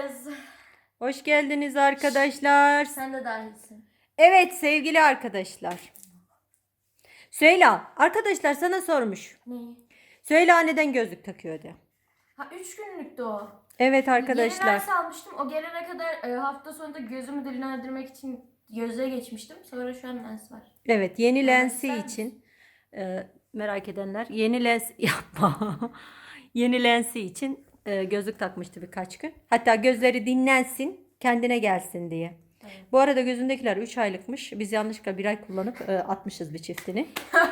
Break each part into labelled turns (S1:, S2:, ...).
S1: geldiniz.
S2: Hoş geldiniz arkadaşlar.
S1: Sen de dahilsin.
S2: Evet sevgili arkadaşlar. Süheyla, arkadaşlar sana sormuş.
S1: Neyi?
S2: Süheyla neden gözlük takıyordu?
S1: Ha 3 günlüktü o.
S2: Evet
S1: Yeni
S2: arkadaşlar.
S1: lens almıştım. O gelene kadar hafta sonunda gözümü dinlendirmek için gözlüğe geçmiştim. Sonra şu an lens var.
S2: Evet yeni
S1: Evet,
S2: lensi
S1: ister
S2: için merak edenler yeni lens yapma. Yeni lensi için gözlük takmıştı birkaç gün. Hatta gözleri dinlensin, kendine gelsin diye.
S1: Evet.
S2: Bu arada gözündekiler 3 aylıkmış. Biz yanlışlıkla 1 ay kullanıp atmışız bir çiftini.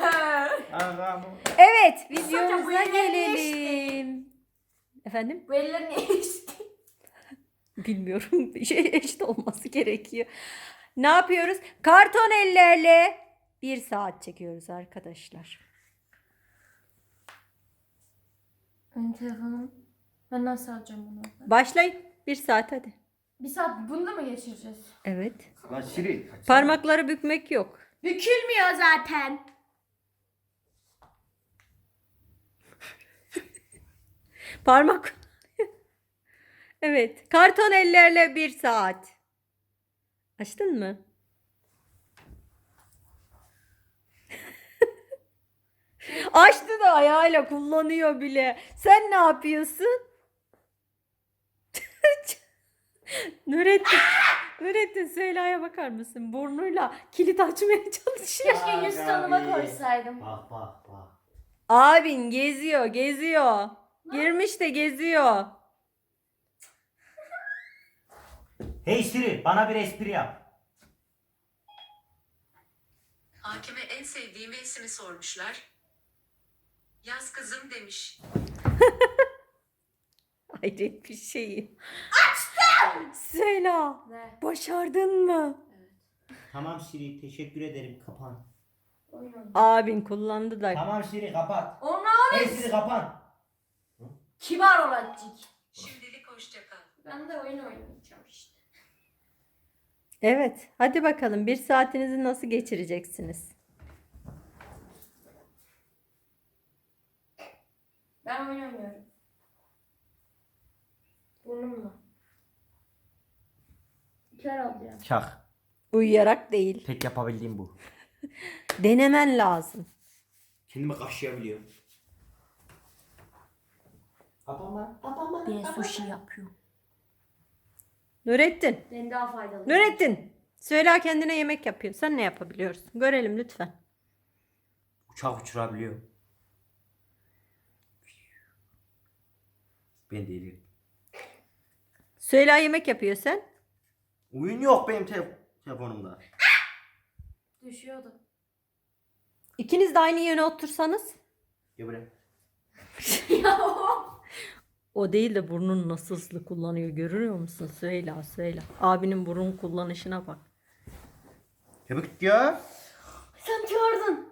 S2: Evet, videomuza
S1: bu elleri
S2: gelelim. Efendim?
S1: Bu eller niye işte?
S2: Bilmiyorum. Bir şey eşit olması gerekiyor. Ne yapıyoruz? Karton ellerle 1 saat çekiyoruz arkadaşlar.
S1: Benim telefonum. Ben nasıl alacağım bunu?
S2: Başlayın. 1 saat hadi.
S1: 1 saat bunu da mı geçireceğiz?
S2: Evet.
S3: Lan Siri.
S2: Parmakları bükmek yok.
S1: Bükülmüyor zaten.
S2: Parmak. Evet. Karton ellerle 1 saat. Açtın mı? Açtı da ayağıyla kullanıyor bile. Sen ne yapıyorsun? Nurettin Süheyla'ya bakar mısın? Burnuyla kilit açmaya çalışıyor.
S1: Keşke yüz tanıma koysaydım.
S3: Bak bak bak.
S2: Abin geziyor. Girmiş de geziyor.
S3: Hey Siri bana bir espri yap.
S4: Hakime en sevdiği mevsimi sormuşlar. Yaz kızım demiş.
S2: Hayret bir şeyi. Açtım! Süheyla,
S1: Ne?
S2: başardın mı?
S3: Tamam Siri teşekkür ederim kapan.
S1: Oyun oynuyor.
S2: Abin kullandı da.
S3: Tamam Siri kapat.
S1: Onu
S3: Hey Siri kapan.
S1: kibar olacak.
S4: Şimdilik hoşça kal.
S1: Ben de oyun oynayacağım işte.
S2: Evet, hadi bakalım 1 saatinizi nasıl geçireceksiniz?
S1: Ben oynamıyorum. Burnumla. Kör alacağım.
S3: Çak.
S2: Uyuyarak değil.
S3: Tek yapabildiğim bu.
S2: Denemen lazım.
S3: Kendimi kaşıyabiliyorum. Kapanma. Kapanma.
S1: Ben sushi yapıyorum.
S2: Nurettin.
S1: Ben daha faydalı.
S2: Nurettin. Süheyla kendine yemek yapıyor. Sen ne yapabiliyorsun? Görelim lütfen.
S3: Uçak uçurabiliyorum. Ben değilim.
S2: Süheyla yemek yapıyor sen.
S3: Oyun yok benim telefonumda.
S1: Düşüyordu.
S2: İkiniz de aynı yöne otursanız.
S3: Gel buraya.
S1: Ya
S2: O değil de burnunu nasıl hızlı kullanıyor görüyor musun Süheyla? Abinin burun kullanışına bak.
S3: Çabuk ya.
S1: sen gördün.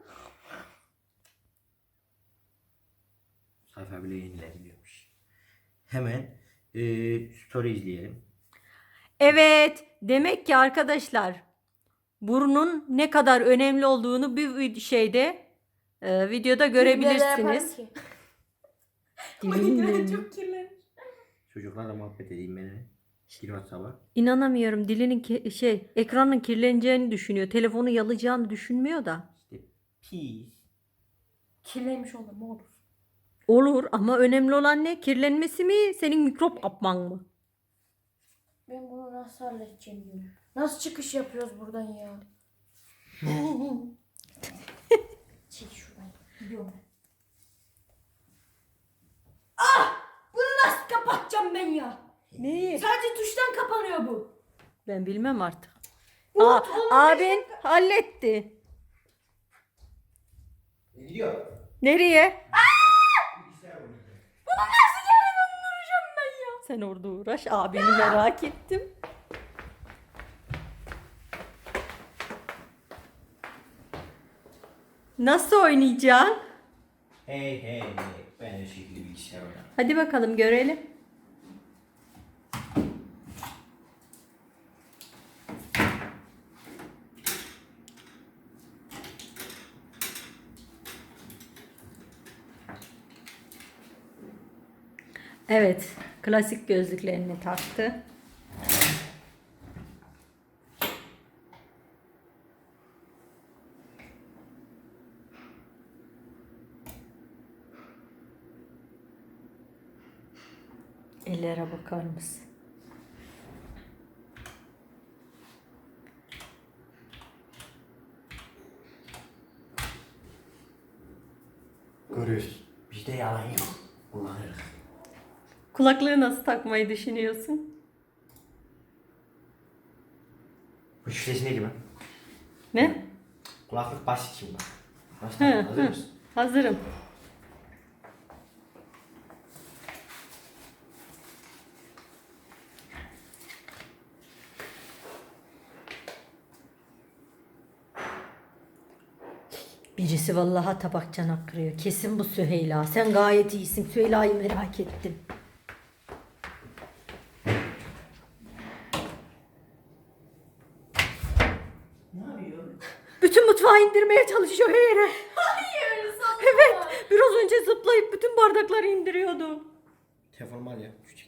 S3: Sayfa bile yenilebiliyormuş. Hemen story izleyelim.
S2: Evet, demek ki arkadaşlar burnun ne kadar önemli olduğunu bir videoda görebilirsiniz.
S1: Dilleri çok kirlenmiş.
S3: Çocuklarla muhabbet edeyim benimle. WhatsApp'a.
S2: İnanamıyorum. Ekranın kirleneceğini düşünüyor. Telefonu yalayacağını düşünmüyor da.
S3: İşte peace.
S1: Kirlenmiş olur mu olur.
S2: Olur ama önemli olan ne? Kirlenmesi mi? Senin mikrop kapman mı?
S1: Ben bunu nasıl halledeceğim diyorum. Nasıl çıkış yapıyoruz buradan ya? Çek şuradan. Gidiyorum ben. Bunu nasıl kapatacağım ben ya?
S2: Neyi?
S1: Sadece tuştan kapanıyor bu.
S2: Ben bilmem artık.
S1: Umut,
S2: Abin halletti.
S3: Gidiyor.
S2: Nereye?
S1: Bunu nasıl geri döndüreceğim ben ya?
S2: Sen orada uğraş. Abini merak ettim. Nasıl oynayacaksın?
S3: Hey. Ben de şekilde bilgisayar oynarım.
S2: Hadi bakalım görelim. Evet, klasik gözlüklerini taktı. Ellere bakar mısın?
S3: Görüyoruz. Bizde yalan yok. Kullanırız.
S2: Kulaklığı nasıl takmayı düşünüyorsun?
S3: Bu şifresi neydi ben?
S2: Ne?
S3: Kulaklık basit şimdi bak.
S2: Hı,
S3: Başlayalım. Hazır
S2: hı.
S3: mısın?
S2: Hazırım. Birisi vallahi tabak çanak kırıyor. Kesin bu Süheyla. Sen gayet iyisin. Süheyla'yı merak ettim.
S3: Ne yapıyor?
S2: Bütün mutfağı indirmeye çalışıyor yere.
S1: Hayır, sallama.
S2: Evet. Biraz önce zıplayıp bütün bardakları indiriyordu.
S3: Telefonum al ya. Küçük.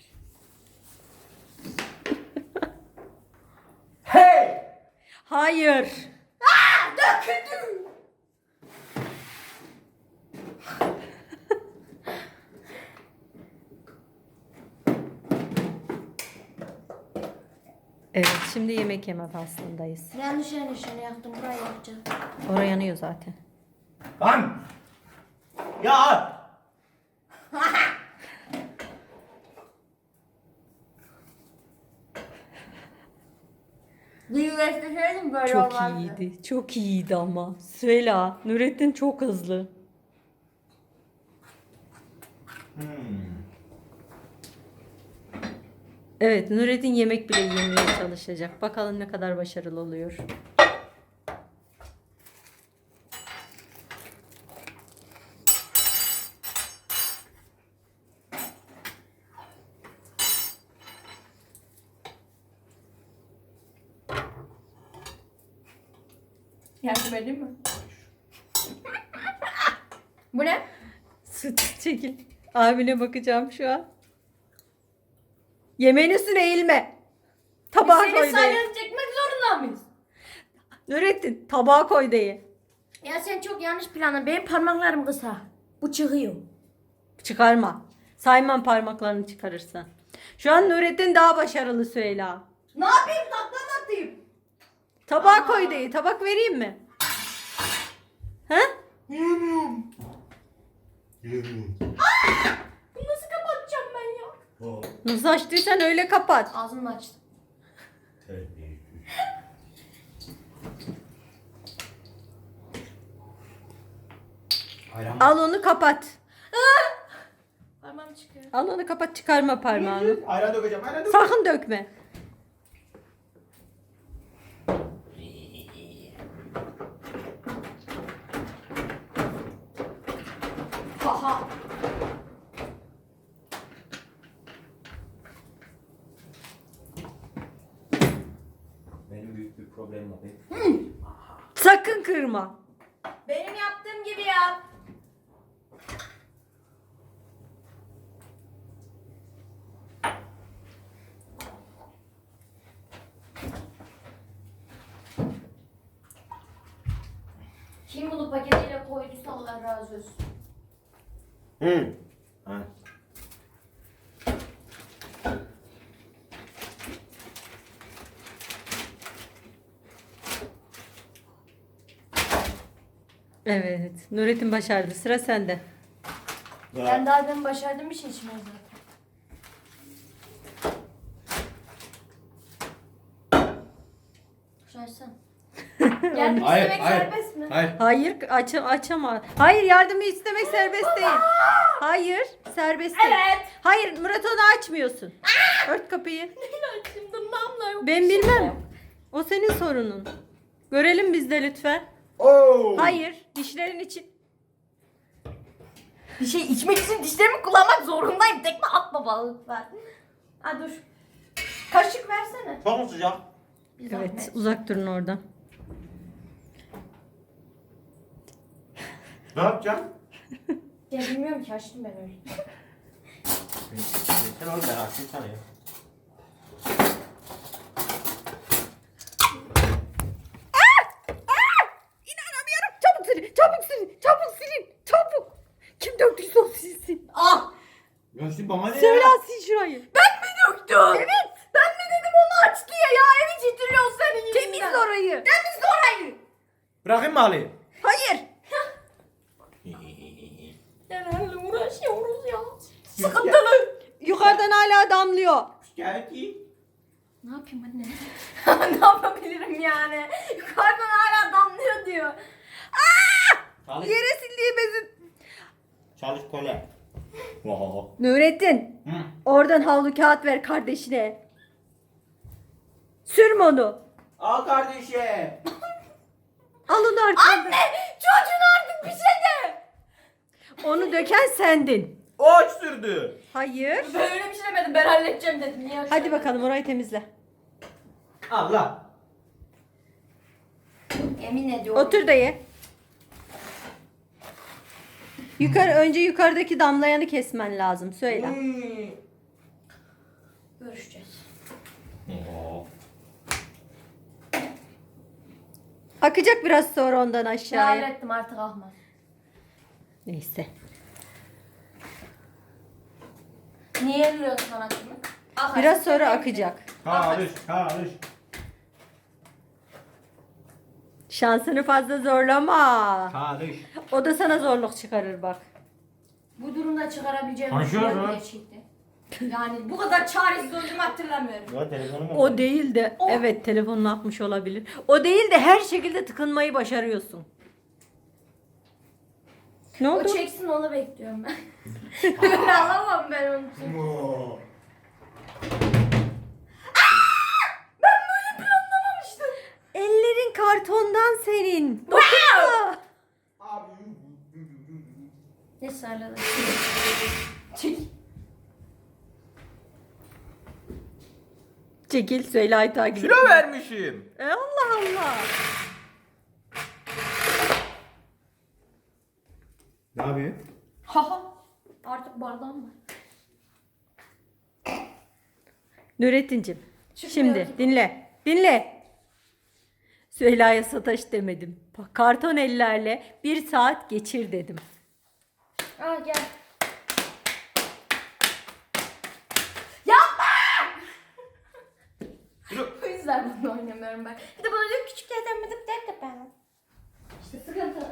S3: Hey!
S2: Hayır.
S1: Döküldüm.
S2: Evet, şimdi yemek yeme faslındayız.
S1: Yanlış yanlışını yaktım. Burayı yakacağım.
S2: Oraya yanıyor zaten.
S3: Lan! Ya!
S1: Düğünleştirseydim böyle
S2: Çok
S1: olmazdı.
S2: iyiydi. Çok iyiydi ama. Süheyla, Nurettin çok hızlı. Evet, Nurettin yemek bile yemeye çalışacak. Bakalım ne kadar başarılı oluyor.
S1: Yardım edeyim mi? Bu ne?
S2: Süt çekil. Abine bakacağım şu an. Yemeğin üstüne eğilme. Tabağa koy
S1: Seni
S2: de.
S1: saylanıp çekmek zorunda mıyız?
S2: Nurettin tabağa koy de.
S1: Ya sen çok yanlış planladın. Benim parmaklarım kısa. Bu çıkıyor.
S2: Çıkarma. Sayman parmaklarını çıkarırsan. Şu an Nurettin daha başarılı Süheyla.
S1: Ne yapayım? Takla atayım.
S2: Tabağa koy de. Tabak vereyim mi? He?
S3: Yemiyorum.
S1: Bunu nasıl kapatacağım ben ya?
S2: Nasıl açtıysan öyle kapat.
S1: Ağzımı açtım.
S3: Ayran.
S2: Al onu kapat.
S1: Parmağım çıkıyor.
S2: Al onu kapat, çıkarma parmağını.
S3: Ayran dökeceğim. Ayran dökeceğim.
S2: Sakın dökme.
S1: Haha.
S3: Benim büyük bir problemim var.
S2: Sakın kırma.
S1: Benim yaptığım gibi yap. Kim bunu paketiyle koyduysa Allah razı olsun.
S3: Hı. Ha.
S2: Evet. Nurettin başardı. Sıra sende.
S1: Ben daha demin başardığım bir şey içmiyorum zaten. Şaşsın. Yardım
S3: Hayır,
S1: istemek
S3: hayır.
S1: serbest mi?
S3: Hayır.
S2: Hayır, açama. Hayır, yardımı istemek serbest değil. Hayır, serbest değil.
S1: Evet.
S2: Hayır, Murat onu açmıyorsun. Ört kapıyı.
S1: Neyle açayım? Dırnağımla yok.
S2: Ben bilmem. O senin sorunun. Görelim biz de lütfen.
S3: Oo.
S2: Hayır, dişlerin için.
S1: Bir şey içmek için dişlerimi kullanmak zorundayım. Tekme atma bana lütfen. Ha dur. Kaşık versene.
S3: Çok mu sıcak?
S1: Bir
S2: Evet,
S1: zahmet.
S2: uzak durun oradan.
S3: Ne yapacaksın?
S1: Ya bilmiyorum ki açtım ben öyle.
S3: Sen oğlum ben açayım sana ya.
S2: İnanamıyorum. Çabuk silin, çabuk silin, çabuk silin, çabuk. Kim döktüyse o silsin.
S1: Ah!
S3: Ya Kardeşim bana ne
S2: Söyle
S3: ya?
S2: sil şurayı.
S1: Döktüm. Evet. Ben mi dedim onu aç diye ya? Evi titriyor senin yüzünden.
S2: Temizle orayı.
S1: Temizle orayı.
S3: Bırakayım mı halıyı?
S2: Hayır.
S1: Nelerle uğraşıyoruz ya. Sıkıntılı.
S2: Yukarıdan hala damlıyor.
S3: Geldi.
S1: Ne yapayım anne? Ne yapabilirim yani? Yukarıdan hala damlıyor diyor.
S3: Çalış.
S2: Yere sildiğimizin.
S3: Çalış kole. Oho.
S2: Nurettin.
S3: Hı.
S2: Oradan havlu kağıt ver kardeşine. Sürme onu.
S3: Al kardeşim.
S2: Al onu arkandan.
S1: Anne! Çocuğun artık bir şey de.
S2: Onu döken sendin.
S3: O aç sürdü.
S2: Hayır.
S1: Böyle bir şey demedim. Ben halledeceğim dedim. Niye
S2: Hadi bakalım orayı temizle.
S3: Allah.
S1: Emin ediyorum.
S2: Otur da ye. Önce yukarıdaki damlayanı kesmen lazım. Söyle.
S1: Görüşeceğiz.
S3: Oo.
S2: Akacak biraz sonra ondan
S1: Ya
S2: aşağıya.
S1: hallettim artık ahmaz.
S2: Neyse.
S1: Niye eliyorsun sanatını? Akar.
S2: Biraz sonra akacak.
S3: Karış. Karış.
S2: Şansını fazla zorlama.
S3: Karış.
S2: O da sana zorluk çıkarır bak.
S1: Bu durumda çıkarabileceğim bir
S3: Konuşuyor
S1: şey yok
S3: mu?
S1: gerçekten. Yani bu kadar çaresiz olduğumu hatırlamıyorum.
S3: Ya telefonum
S2: O değil de evet telefonunu atmış olabilir. O değil de her şekilde tıkınmayı başarıyorsun. Ne
S1: O
S2: oldu?
S1: çeksin onu bekliyorum ben. Öyle alamam ben onu.
S3: Oo.
S1: Anlamamıştım.
S2: Ellerin kartondan senin. Dokunma.
S1: Ne sarladı? Çek.
S2: Çekil Süheyla'yı takip et.
S3: Kilo vermişim.
S2: Allah Allah.
S3: Ne yapıyor?
S1: Haha. Artık bardağım var.
S2: Nurettin'cim
S1: Çıkmıyor
S2: şimdi
S1: ki.
S2: dinle. Dinle. Süheyla'ya sataş demedim. Bak, karton ellerle 1 saat geçir dedim.
S1: Aa gel. Yapma! Bu yüzden bunu oynamıyorum ben. Bir de bana diyor küçük yerden mi de ben. İşte sıkıntı.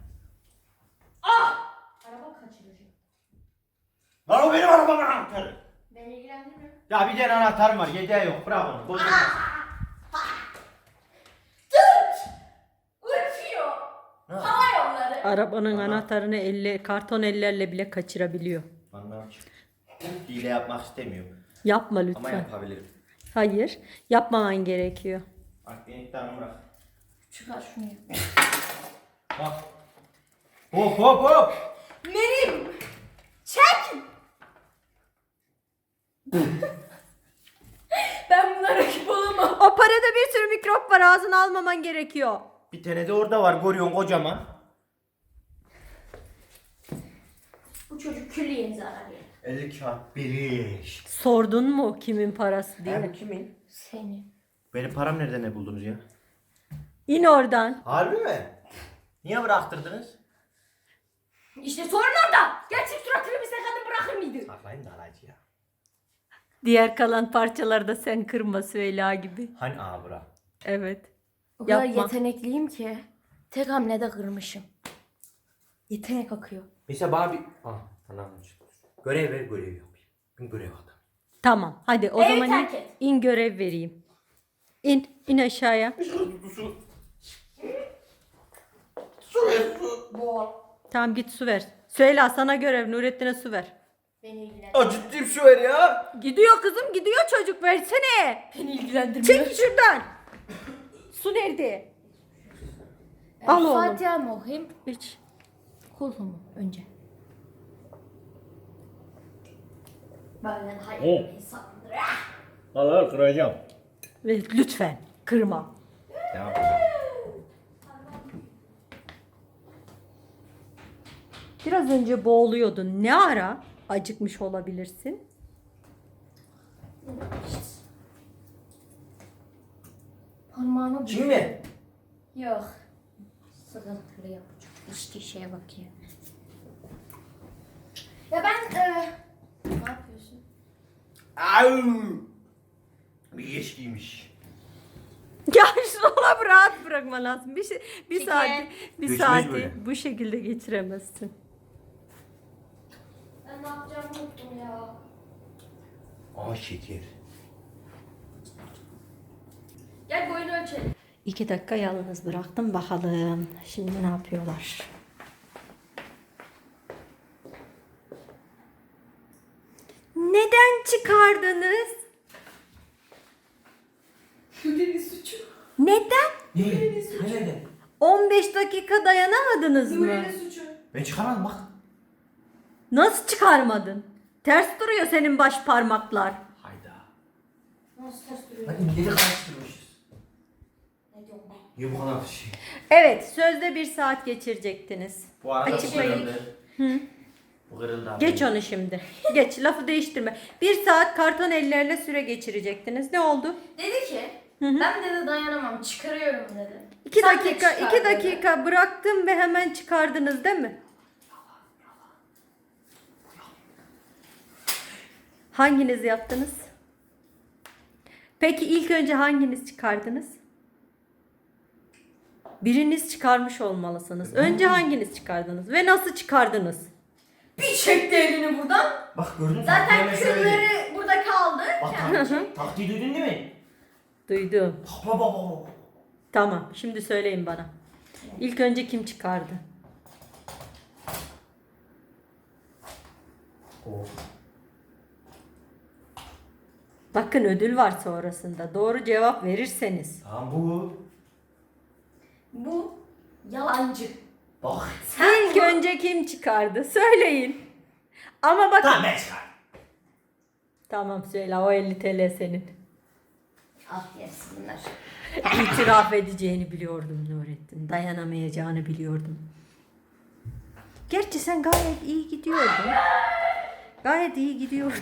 S1: Ah! Araba kaçıracak.
S3: Lan o benim arabamın anahtarı.
S1: Beni ilgilendirmiyor.
S3: Ya bir tane anahtarım var. Yedeği yok. Bırak onu. Bozulmaz.
S1: Tut! Uçuyor. Hava yolları.
S2: Arabanın anahtarını karton ellerle bile kaçırabiliyor.
S3: Anlam çık. Hile yapmak istemiyorum.
S2: Yapma
S3: Ama
S2: lütfen.
S3: yapabilirim.
S2: Hayır. Yapmaman gerekiyor.
S3: Bak beni iddianı bırak.
S1: Çıkar şunu.
S3: Bak. Hop hop hop.
S1: Merim! Çek! Ben buna rakip olamam.
S2: O parada bir sürü mikrop var. Ağzına almaman gerekiyor.
S3: Bir tane de orada var. Görüyorsun kocaman.
S1: Bu çocuk külliyen zarar yer.
S3: 50 kağıt biriş.
S2: Sordun mu kimin parası diye?
S3: Bu kimin?
S1: Seni.
S3: Benim param nereden ne buldunuz ya?
S2: İn oradan.
S3: Harbi mi? Niye bıraktırdınız?
S1: İşte sorun orada. Gerçek suratını bir kadın bırakır mıydı?
S3: Saklayın da alaycı ya.
S2: Diğer kalan parçalarda sen kırma Süheyla gibi.
S3: Hani abra?
S2: Evet.
S1: O kadar
S2: Yapma.
S1: yetenekliyim ki tek hamlede kırmışım. Yetenek akıyor.
S3: Mesela bana bir... Ah tamam. Görev ver görev yapayım. Ben görev adam.
S2: Tamam. Hadi o
S1: Evi
S2: zaman
S1: terk
S2: in,
S1: et.
S2: in görev vereyim. İn aşağıya.
S1: Bol.
S2: Tamam git su ver. Süheyla sana görev. Nurettin'e su ver.
S1: Beni ilgilendirmiyor.
S3: Aa ciddiyim şu ver ya.
S2: Gidiyor kızım gidiyor çocuk versene.
S1: Beni ilgilendirmiyor.
S2: Çek şuradan. Su nerede? Al oğlum.
S1: Fatiha mı okuyayım?
S2: İç.
S1: Kulhu mu önce? Benden
S3: Oh.
S1: hayırlı bir insandır.
S3: Al kıracağım.
S2: Ve lütfen kırma.
S3: Ne yapacağım?
S2: Biraz önce boğuluyordun. Ne ara acıkmış olabilirsin?
S1: Parmağımı
S3: Çiğ mi?
S1: Yok. Sıkıntılı yapacak. İçtiği şeye bak ya. Ya ben... ne yapayım?
S3: Au! Bir geç giymiş.
S2: Ya şuna rahat bırakma lazım. Bir
S1: Çekil.
S2: saati
S3: Geçmez
S2: saati
S3: böyle.
S2: bu şekilde geçiremezsin.
S1: Ben ne yapacağımı unuttum ya.
S3: Aa şeker.
S1: Gel boyunu ölçelim.
S2: 2 dakika yalnız bıraktım bakalım. Şimdi ne yapıyorlar? Neden çıkardınız?
S1: Benim suçu.
S2: Neden?
S3: Ne? Neden?
S2: 15 dakika dayanamadınız mı?
S1: Nuri'nin suçu.
S3: Ben çıkarmadım bak.
S2: Nasıl çıkarmadın? Ters duruyor senin baş parmaklar.
S3: Hayda.
S1: Nasıl ters duruyor?
S3: Hadi milleri karıştırmışız.
S1: Ne diyorum ben?
S3: Niye bu kadar şey?
S2: Evet, sözde 1 saat geçirecektiniz.
S3: Bu arada
S2: Açıklayın.
S3: bu kırıldı. Bu kırıldı abi.
S2: Geç onu şimdi. Geç, lafı değiştirme. 1 saat karton ellerle süre geçirecektiniz. Ne oldu?
S1: Dedi ki ben dedi dayanamam çıkarıyorum dedi.
S2: 2
S1: Sen de
S2: dakika,
S1: çıkar
S2: 2
S1: dedi.
S2: dakika bıraktım ve hemen çıkardınız değil mi? Hanginiz yaptınız? Peki ilk önce hanginiz çıkardınız? Biriniz çıkarmış olmalısınız. Önce hanginiz çıkardınız ve nasıl çıkardınız?
S1: Bir çekti elini buradan.
S3: Bak gördün mü?
S1: Zaten
S3: Hemen söyledi.
S1: kılları burada kaldı.
S3: Bak taktiği duydun değil mi?
S2: Duydum.
S3: Bak bak bak bak.
S2: Tamam, şimdi söyleyin bana. İlk önce kim çıkardı?
S3: Oh.
S2: Bakın ödül var sonrasında. Doğru cevap verirseniz.
S3: Tamam bu.
S1: Bu yalancı.
S3: Bak.
S2: İlk önce kim çıkardı? Söyleyin. Ama bakın.
S3: Tamam ben çıkardım.
S2: Tamam söyle, o 50 TL senin.
S1: Al yersin bunlar.
S2: İtiraf edeceğini biliyordum Nurettin. Dayanamayacağını biliyordum. Gerçi sen gayet iyi gidiyordun. Gayet iyi gidiyordun.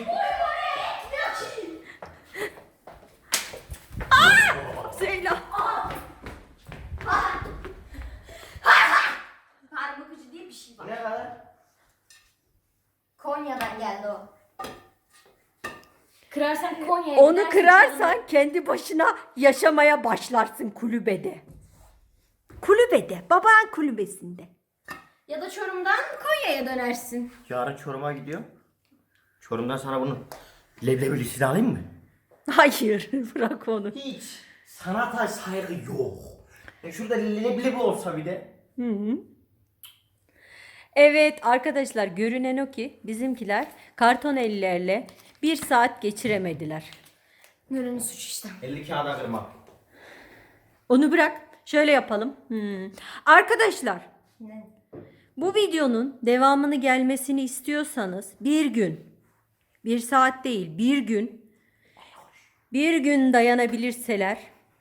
S2: Söyle.
S1: Parmak ucu diye bir şey var.
S3: Ne kadar?
S1: Konya'dan geldi o. Kırarsan Konya'ya
S2: Onu
S1: gidersin,
S2: kırarsan kendi başına yaşamaya başlarsın kulübede. Kulübede, baban kulübesinde.
S1: ya da Çorum'dan Konya'ya dönersin.
S3: Yarın Çorum'a gidiyorum. Çorum'dan sana bunu leblebilisini alayım mı?
S2: Hayır, bırak onu.
S3: Hiç sanata saygı yok. Şurada leblebi olsa bir de.
S2: Evet arkadaşlar, görünen o ki bizimkiler karton ellerle 1 saat geçiremediler.
S1: Nuri'nin suçu işte.
S3: 50 kağıda kırmak.
S2: Onu bırak. Şöyle yapalım. Arkadaşlar,
S1: Ne?
S2: bu videonun devamını gelmesini istiyorsanız bir gün, 1 saat değil, bir gün dayanabilirseler.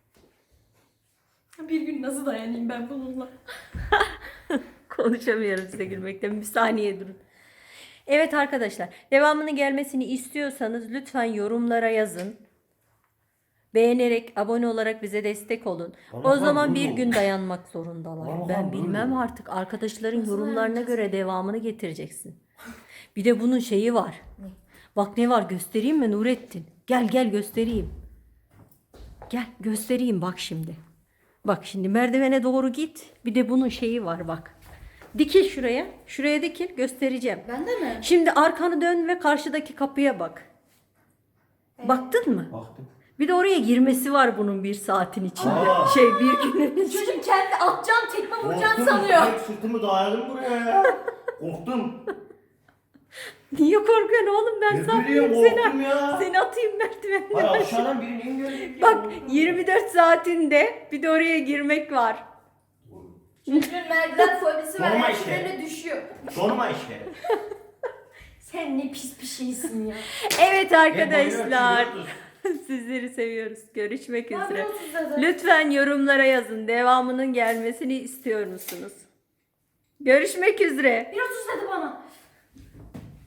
S1: Bir gün nasıl dayanayım ben bununla?
S2: Konuşamıyorum size gülmekten. Bir saniye durun. Evet arkadaşlar, devamını gelmesini istiyorsanız lütfen yorumlara yazın. Beğenerek, abone olarak bize destek olun. O
S3: Vallahi
S2: zaman
S3: bunu-
S2: bir gün dayanmak zorundalar.
S3: Vallahi
S2: Ben
S3: bunu-
S2: bilmem artık. Arkadaşların
S1: Nasıl
S2: yorumlarına
S1: dayanacağız?
S2: göre devamını getireceksin. Bir de bunun şeyi var. Bak ne var, göstereyim mi Nurettin? Gel göstereyim. Gel göstereyim bak şimdi. Bak şimdi merdivene doğru git. Bir de bunun şeyi var bak. Dikil şuraya. Şuraya dikil, göstereceğim.
S1: Ben de mi?
S2: Şimdi arkanı dön ve karşıdaki kapıya bak. Baktın mı?
S3: Baktım.
S2: Bir de oraya girmesi var bunun 1 saatin içinde.
S3: Aa.
S2: Bir günün içinde.
S1: Çocuk kendi atacağım tekme vuracağını
S3: Korktum.
S1: sanıyor.
S3: Direkt sırtımı dayadım buraya ya. Korktum.
S2: Niye korkuyorsun oğlum, ben
S3: Ne
S2: saklayayım
S3: bileyim,
S2: seni.
S3: korktum ya.
S2: Seni atayım merdivenden.
S3: Hayır aşağıdan birini görecek ya.
S2: Bak 24 saatinde bir de oraya girmek var.
S1: Çocuğun merdiven fobisi var.
S3: Normal
S1: Her
S3: işte.
S1: seferinde düşüyor.
S3: Sorma işte.
S1: Sen ne pis bir şeysin ya.
S2: Evet
S3: Ben
S2: arkadaşlar.
S3: bayılıyorum,
S2: Sizleri seviyoruz. Görüşmek
S1: Ben
S2: üzere.
S1: biraz uzadım.
S2: Lütfen yorumlara yazın. Devamının gelmesini istiyor musunuz? Görüşmek üzere.
S1: Biraz uzadı